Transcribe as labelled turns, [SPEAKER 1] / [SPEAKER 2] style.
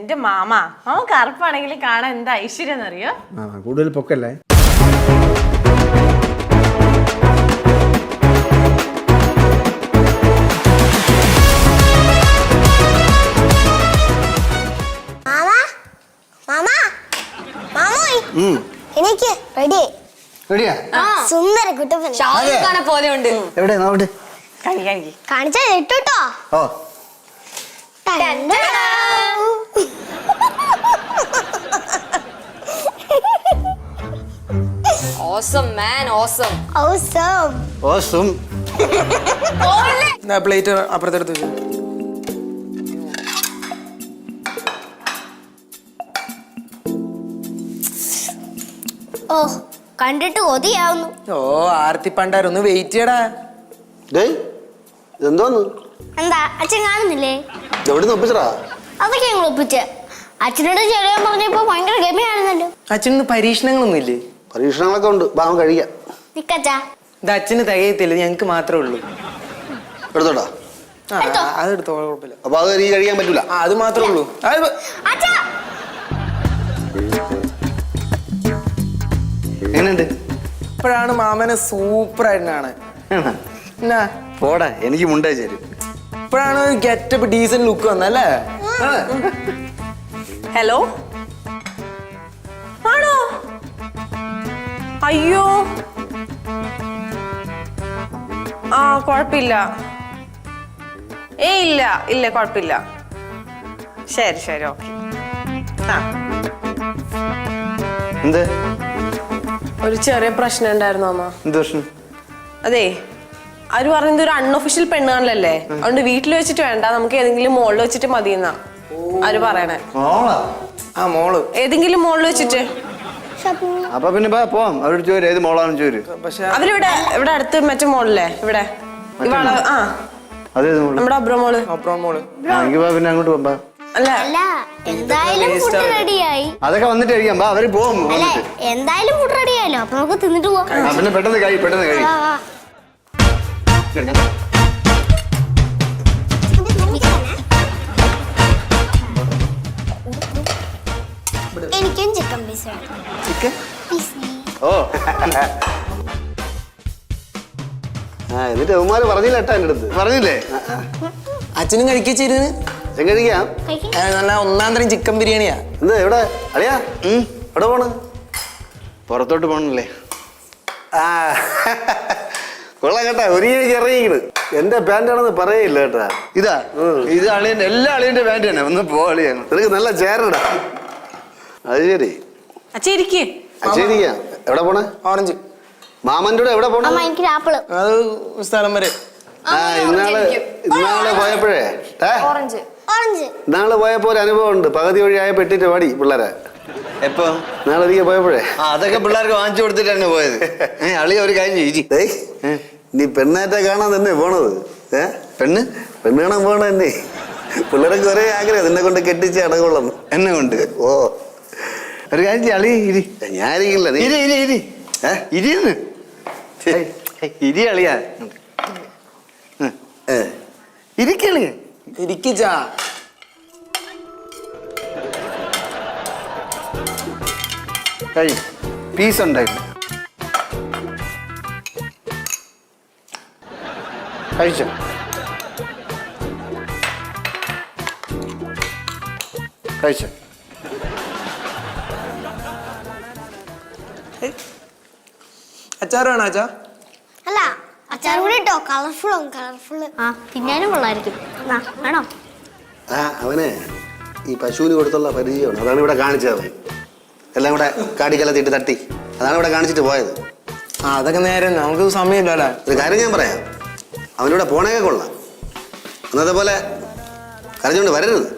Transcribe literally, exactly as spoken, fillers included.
[SPEAKER 1] എന്റെ mama mama കറുപ്പാണെങ്കിൽ കാണാൻ എന്താ ഐശ്വര്യം എന്നറിയോ?
[SPEAKER 2] കൂടുതൽ പൊക്കല്ലേ.
[SPEAKER 3] സുന്ദര കുട്ടപ്പൻ
[SPEAKER 4] പോലെ ഉണ്ട്.
[SPEAKER 2] എവിടെ നോട്ട്
[SPEAKER 3] കാണിച്ചാ കേട്ടോ.
[SPEAKER 2] ഓ
[SPEAKER 4] Awesome man, awesome.
[SPEAKER 3] Awesome.
[SPEAKER 2] Awesome.
[SPEAKER 5] Na plate അപ്പുറത്തെടുത്ത് വെച്ചു.
[SPEAKER 3] ഓ കണ്ടിട്ട് കൊതിയാവുന്നു.
[SPEAKER 5] ഓ ആർത്തി പണ്ടാരൊന്ന് വെയിറ്റ് ചെയ്യടാ.
[SPEAKER 2] ഡേയ് ഇതെന്തോന്ന്?
[SPEAKER 3] എന്താ അച്ഛൻ കാണുന്നില്ലേ?
[SPEAKER 2] എവിടെ ഒപ്പിച്ചടാ?
[SPEAKER 3] അതൊക്കെ ഞങ്ങൾ ഒപ്പിച്ച്. അച്ഛനോട് ചെറിയ പറഞ്ഞപ്പോ ഭയങ്കര ഗമയാണെന്നല്ലോ.
[SPEAKER 5] അച്ഛന് പരീക്ഷണങ്ങളൊന്നും ഇല്ലേ?
[SPEAKER 2] പരീക്ഷണങ്ങളൊക്കെ ഉണ്ട്. ബാ കഴിക്കാം.
[SPEAKER 3] നിക്കച്ചാ
[SPEAKER 5] ഇത് അച്ഛന് തികയത്തില്ല, ഞങ്ങക്ക് മാത്രമേ ഉള്ളൂ.
[SPEAKER 2] എടുത്തോട്ടാ.
[SPEAKER 5] അതെടുത്തോ, കുഴപ്പമില്ല.
[SPEAKER 2] അപ്പൊ അത് എനിക്ക് കഴിക്കാൻ പറ്റൂല.
[SPEAKER 5] അത് മാത്രമേ ഉള്ളൂ.
[SPEAKER 2] എങ്ങനെയുണ്ട്?
[SPEAKER 5] ഇപ്പോഴാണ് മാമനെ സൂപ്പർ ആയിട്ടാണ്.
[SPEAKER 2] പോടാ, എനിക്ക് മുണ്ടായി ചേരും.
[SPEAKER 5] ഇപ്പോഴാണ് ഗെറ്റപ്പ് ഡീസന്റ് ലുക്ക് വന്നല്ലേ?
[SPEAKER 1] ഹലോ ആണോ? അയ്യോ ആ കുഴപ്പമില്ല. ഏ ഇല്ല ഇല്ല കുഴപ്പമില്ല. ശരി ശരി ഓക്കെ. ആ
[SPEAKER 2] എന്ത്
[SPEAKER 1] ഒരു ചെറിയ പ്രശ്നം ഉണ്ടായിരുന്നു അമ്മ.
[SPEAKER 2] എന്ത് പ്രശ്നം?
[SPEAKER 1] അതെ അവര് പറഞ്ഞത് ഒരു അൺഒഫീഷ്യൽ പെണ്ണുകാണല്ലേ, അതുകൊണ്ട് വീട്ടിൽ വെച്ചിട്ട് വേണ്ട, നമുക്ക് ഏതെങ്കിലും മോളിൽ വെച്ചിട്ട് മതി എന്നാ അവര് പറയണേ.
[SPEAKER 5] ആ മോള്
[SPEAKER 1] ഏതെങ്കിലും മോളിൽ വെച്ചിട്ട്.
[SPEAKER 2] അപ്പൊ പിന്നെ പോവാം. അവരോട് ചോര് ഏത് മോളാണെന്ന് ചോര്.
[SPEAKER 5] പക്ഷെ
[SPEAKER 1] അവരിവിടെ ഇവിടെ അടുത്ത് മറ്റേ മോളില്ലേ ഇവിടെ ആ നമ്മുടെ അബ്രോ മോള്.
[SPEAKER 5] അപ്പുറം മോള്.
[SPEAKER 2] പിന്നെ അങ്ങോട്ട് പോകാം.
[SPEAKER 1] അല്ല
[SPEAKER 3] അല്ല എന്തായാലും ഫുഡ് റെഡിയായി.
[SPEAKER 2] അതൊക്കെ വന്നിട്ട് കഴിക്കാം. ബാ അവര് പോകും.
[SPEAKER 3] അല്ല എന്തായാലും ഫുഡ് റെഡിയായല്ലോ, അപ്പൊ നമുക്ക് തിന്നിട്ട് പോവാം.
[SPEAKER 2] പിന്നെ പെട്ടെന്ന് കഴി പെട്ടെന്ന് കഴി.
[SPEAKER 3] എനിക്കും ചിക്കൻ പീസ്
[SPEAKER 2] ചിക്കൻ ഓ ആ എന്നിട്ട് അവന്മാര് പറഞ്ഞില്ല ഏട്ടാ എൻ്റെ അടുത്ത്. പറഞ്ഞില്ലേ?
[SPEAKER 5] അച്ഛനും കഴിക്കിച്ചിരുന്ന്
[SPEAKER 2] ചിക്കൻ കഴിക്കാം.
[SPEAKER 5] നല്ല ഒന്നാം തരം ചിക്കൻ ബിരിയാണിയാ.
[SPEAKER 2] എന്താ എവിടെ അളിയാ? എവിടെ പോണ്? പുറത്തോട്ട് പോണല്ലേ? ആ കൊള്ളാം കേട്ടാ. ഒരു ഇറങ്ങിക്കണ്. എന്റെ പാൻ്റാണെന്ന് പറയില്ല കേട്ടാ. ഇതാ ഇത് അളിയന്റെ എല്ലാ അളിയന്റെ പാൻ്റ് തന്നെ. ഒന്ന് പോ അളിയാ. നിനക്ക് നല്ല ചേരടാ. അത് ശരി.
[SPEAKER 1] അച്ഛരിക്കും
[SPEAKER 2] ശരിക്കാം. എവിടെ പോണേ?
[SPEAKER 5] ഓറഞ്ച്.
[SPEAKER 2] മാമന്റെ കൂടെ എവിടെ പോണേ?
[SPEAKER 3] എനിക്ക് ആപ്പിള്.
[SPEAKER 5] അത് സ്ഥലം വരെ.
[SPEAKER 2] ആ ഇന്നാള് ഇന്നാള് പോയപ്പോഴേ
[SPEAKER 3] ഓറഞ്ച് ഓറഞ്ച്
[SPEAKER 2] ഇന്നാള് പോയപ്പോ ഒരു അനുഭവം ഉണ്ട്. പകുതി വഴിയായ പെട്ടിട്ട് പാടി പിള്ളേരെ. എപ്പോ? നാളെ ഒരിക്കൽ പോയപ്പോഴേ അതൊക്കെ പിള്ളേർക്ക് വാങ്ങിച്ചു കൊടുത്തിട്ടാണ് പോയത്. അളിയ ഒരു കാര്യം ചോദിച്ചു. നീ പെണ്ണാറ്റ കാണാൻ തന്നെ പോണത്? ഏ പെണ്ണ് പെണ്ണ് കാണാൻ പോണ തന്നെ. പിള്ളേരൊക്കെ ഒരേ ആഗ്രഹം നിന്നെ കൊണ്ട് കെട്ടിച്ച് അടകൊള്ളുന്നു. എന്നെ കൊണ്ട്. ഓ ഒരു കാര്യം അളി ഇരി. ഞാനിരിക്കില്ല. ഇരി ഇരി ഇരി ഏ ഇരിന്ന് ഇരി അളിയാ. ഇരിക്കളിയ
[SPEAKER 5] ഇരിക്കിച്ചാ.
[SPEAKER 2] കഴി പീസ് ഉണ്ടായില്ല. കഴിച്ചോ? കഴിച്ചോ?
[SPEAKER 5] അച്ചാറ് വേണോ അച്ഛാ?
[SPEAKER 3] അല്ല അച്ചാർ കൂടി ഇട്ടോ. കളർഫുള്ളും കളർഫുള്ള്. ആ തിന്നാനും കൊള്ളായിരിക്കും. വേണോ?
[SPEAKER 2] ആ അവന് ഈ പശുവിന് കൊടുത്തുള്ള പരിചയമാണ്. അതാണ് ഇവിടെ കാണിച്ചത്. അവൻ എല്ലാം കൂടെ കാടിക്കലത്തിട്ട് തട്ടി അതാണ് ഇവിടെ കാണിച്ചിട്ട് പോയത്.
[SPEAKER 5] ആ അതൊക്കെ നേരെ നമുക്ക് സമയമില്ലല്ലേ.
[SPEAKER 2] ഒരു കാര്യം ഞാൻ പറയാം. അവനിവിടെ പോണേക്കെ കൊള്ളാം. അന്നത്തെ പോലെ കരഞ്ഞുകൊണ്ട് വരരുത്.